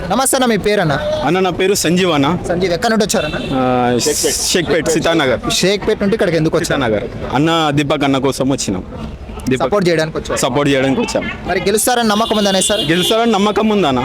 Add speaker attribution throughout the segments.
Speaker 1: నమస్తే అన్న, మీ పేరన్నా?
Speaker 2: అన్న నా పేరు సంజీవ్ అన్న.
Speaker 1: సంజీవ్, ఎక్కడి నుండి వచ్చారన్న?
Speaker 2: షేక్పేట్ సీతానగర్.
Speaker 1: షేక్పేట్ నుండి ఇక్కడికి ఎందుకు వచ్చారు?
Speaker 2: సీతానగర్ అన్న దీపక్ అన్న కోసం వచ్చినాం.
Speaker 1: సపోర్ట్ చేయడానికి వచ్చారు.
Speaker 2: సపోర్ట్ చేయడానికి వచ్చాం.
Speaker 1: మరి గెలుస్తారని నమ్మకం ఉందనే సార్?
Speaker 2: గెలుస్తారని నమ్మకం ఉందన్న.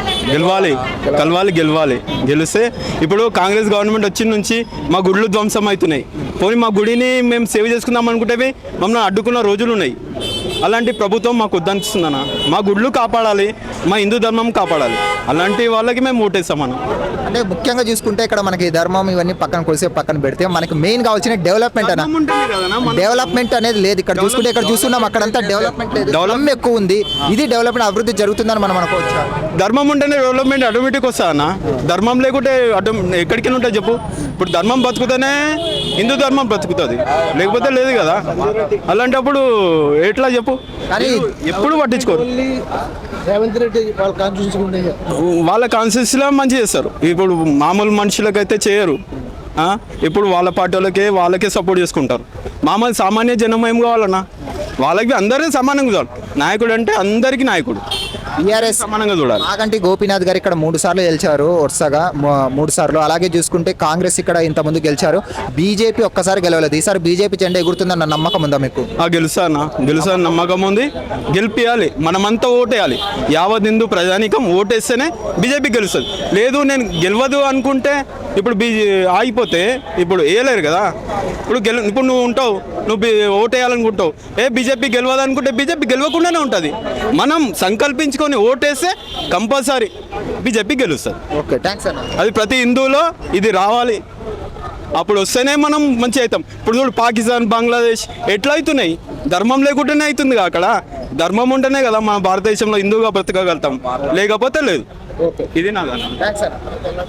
Speaker 2: గెలవాలి. గెలిస్తే ఇప్పుడు కాంగ్రెస్ గవర్నమెంట్ వచ్చిన నుంచి మా గుడులు ధ్వంసం అవుతున్నాయి. పోనీ మా గుడిని మేము సేవ్ చేసుకుందాం అనుకుంటే మమ్మల్ని అడ్డుకున్న రోజులు ఉన్నాయి. అలాంటి ప్రభుత్వం మాకు వద్దనిపిస్తుందన్న. మా గుళ్ళు కాపాడాలి, మా హిందూ ధర్మం కాపాడాలి. అలాంటి వాళ్ళకి మేము ఓటేస్తామన్న.
Speaker 1: అంటే ముఖ్యంగా చూసుకుంటే ఇక్కడ మనకి ధర్మం ఇవన్నీ పక్కన పెడితే మనకి మెయిన్ కావాల్సిన డెవలప్మెంట్ అన్న. డెవలప్మెంట్ అనేది లేదు ఇక్కడ. చూసుకుంటే ఇక్కడ చూస్తున్నాం అక్కడంతా డెవలప్మెంట్ లేదు, డెవలప్మెంట్ ఎక్కువ ఉంది. ఇది డెవలప్మెంట్ అభివృద్ధి జరుగుతుందని మనం అనుకోవచ్చు.
Speaker 2: ధర్మం ఉంటేనే డెవలప్మెంట్ ఆటోమేటిక్ వస్తా అన్న. ధర్మం లేకుంటే ఎక్కడికి ఉంటుంది చెప్పు. ఇప్పుడు ధర్మం బతుకుతేనే హిందూ ధర్మం బ్రతుకుతుంది, లేకపోతే లేదు కదా. అలాంటప్పుడు ఎట్లా చెప్పు. కానీ ఎప్పుడు పట్టించుకోరు.
Speaker 3: రేవంత్ రెడ్డి
Speaker 2: వాళ్ళ కాన్స్టిట్యూన్సీలో మంచి చేస్తారు. ఇప్పుడు మామూలు మనుషులకైతే చేయరు. ఇప్పుడు వాళ్ళ పార్టీ వాళ్ళకే సపోర్ట్ చేసుకుంటారు. మామూలు సామాన్య జనం ఏం కావాలన్నా, వాళ్ళకి అందరినీ సమానంగా చూడాలి. నాయకుడు అంటే అందరికీ నాయకుడు,
Speaker 1: టీఆర్ఎస్
Speaker 2: సమానంగా చూడాలి.
Speaker 1: నాగంటి గోపీనాథ్ గారు ఇక్కడ 3 సార్లు గెలిచారు, వరుసగా 3 సార్లు. అలాగే చూసుకుంటే కాంగ్రెస్ ఇక్కడ ఇంతకుముందు గెలిచారు. బీజేపీ ఒక్కసారి గెలవలేదు. ఈసారి బీజేపీ జెండా ఎగురుతుందన్న నమ్మకం ఉందా మీకు?
Speaker 2: గెలుస్తా నమ్మకం ఉంది. గెలిపియాలి, మనమంతా ఓటేయాలి. యావత్ హిందూ ప్రజానీకం ఓటేస్తేనే బీజేపీ గెలుస్తుంది. లేదు నేను గెలవదు అనుకుంటే ఇప్పుడు ఆగిపోతే ఇప్పుడు వేయలేరు కదా. ఇప్పుడు నువ్వు ఉంటావు, నువ్వు ఓటేయాలనుకుంటావు, బీజేపీ గెలవదు అనుకుంటే బీజేపీ గెలవకుండానే ఉంటుంది. మనం సంకల్పించుకొని ఓటేస్తే కంపల్సరీ బీజేపీ గెలుస్తుంది.
Speaker 1: ఓకే, థ్యాంక్స్ అన్న.
Speaker 2: అది ప్రతి హిందువులో ఇది రావాలి. అప్పుడు వస్తేనే మనం మంచి అవుతాం. ఇప్పుడు చూడు పాకిస్తాన్, బంగ్లాదేశ్ ఎట్లా అవుతున్నాయి? ధర్మం లేకుండానే అవుతుంది. అక్కడ ధర్మం ఉంటేనే కదా మన భారతదేశంలో హిందువుగా బ్రతకగలుగుతాం, లేకపోతే లేదు. ఇది నా
Speaker 1: థ్యాంక్స్ అన్న.